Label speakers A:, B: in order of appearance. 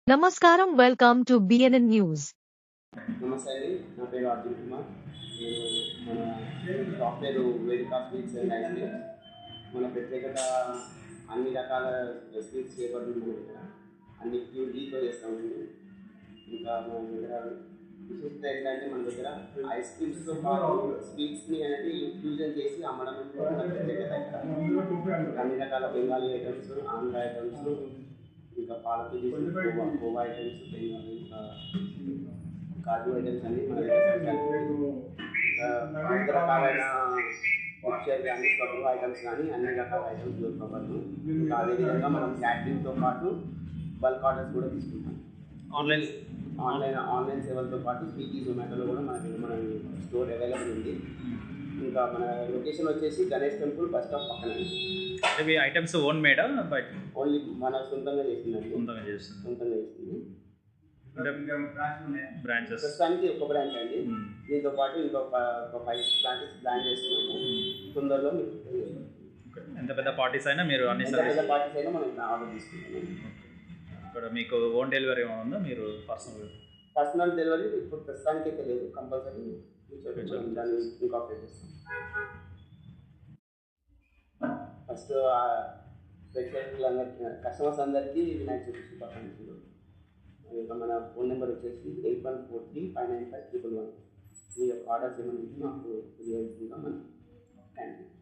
A: Namaskaram, welcome to BNN News.
B: నమస్తే అండి, నా పేరు అర్జున్ కుమార్. నేను మన సాఫ్ట్వేర్ వేదిక స్వీట్స్ అండ్ ఐస్ క్రీమ్స్. మన ప్రత్యేకత అన్ని రకాల స్వీట్స్ చేపడుతుంది మన దగ్గర. అన్ని ప్యూర్ ఘీతో చేస్తామండి. ఇంకా మన దగ్గర విశిష్టత ఏంటంటే మన దగ్గర ఐస్ క్రీమ్స్తో పాటు స్వీట్స్ని అనేది ఫ్యూజన్ చేసి అమ్మడం కూడా మన ప్రత్యేకత ఇక్కడ. అన్ని రకాల బెంగాలీ ఐటమ్స్, ఆంధ్ర ఐటమ్స్, ఇంకా పాలతీ కోవా ఐటమ్స్, ఇంకా కాజు ఐటమ్స్ అన్ని మన దగ్గర స్పెషాలిటీ. వివిధ రకాలైన మిక్చర్ కానీ స్వగ్గు ఐటమ్స్ కానీ అన్ని రకాల ఐటమ్స్ దొరకవచ్చు. ఇంకా అదేవిధంగా మనం క్యాటరింగ్తో పాటు బల్క్ ఆర్డర్స్ కూడా తీసుకుంటాం. ఆన్లైన్ సేవలతో పాటు స్విగ్గీ, జొమాటోలో కూడా మన స్టోర్ అవైలబుల్ ఉంది. ఇంకా మన లొకేషన్ వచ్చేసి గణేష్ టెంపుల్ బస్ స్టాప్ పక్కన.
C: ఇవి ఐటమ్స్ ఓన్ మేడా బయట?
B: ఓన్లీ మన సొంతంగా చేస్తుందండి.
C: సొంతంగా చేస్తుంది. బ్రాంచెస్
B: ప్రస్తుతానికి ఒక బ్రాంచ్ అండి. దీంతో పాటు ఇంకొక 5 బ్రాంచెస్ ప్లాన్ చేస్తున్నాము. తొందరలో
C: ఎంత పెద్ద పార్టీస్ అయినా మీరు అన్ని
B: పెద్ద పార్టీస్ అయినా మనం ఆర్డర్ తీసుకుంటాము.
C: ఇక్కడ మీకు ఓన్ డెలివరీ ఏమైనా ఉందా? మీరు
B: పర్సనల్ డెలివరీ ఇప్పుడు ప్రస్తుతానికి అయితే లేదు. కంపల్సరీ దాన్ని ఇంకాపరేట్ చేస్తాం. ఫస్ట్ ప్రేక్షకులందరికీ, కస్టమర్స్ అందరికీ వినాయక చవితి శుభాకాంక్షలు. ఇంకా మన ఫోన్ నెంబర్ వచ్చేసి 8143595111. మీ యొక్క ఆర్డర్స్ ఏమైనా మాకు తెలియజేస్తుందా మనం. Thank you.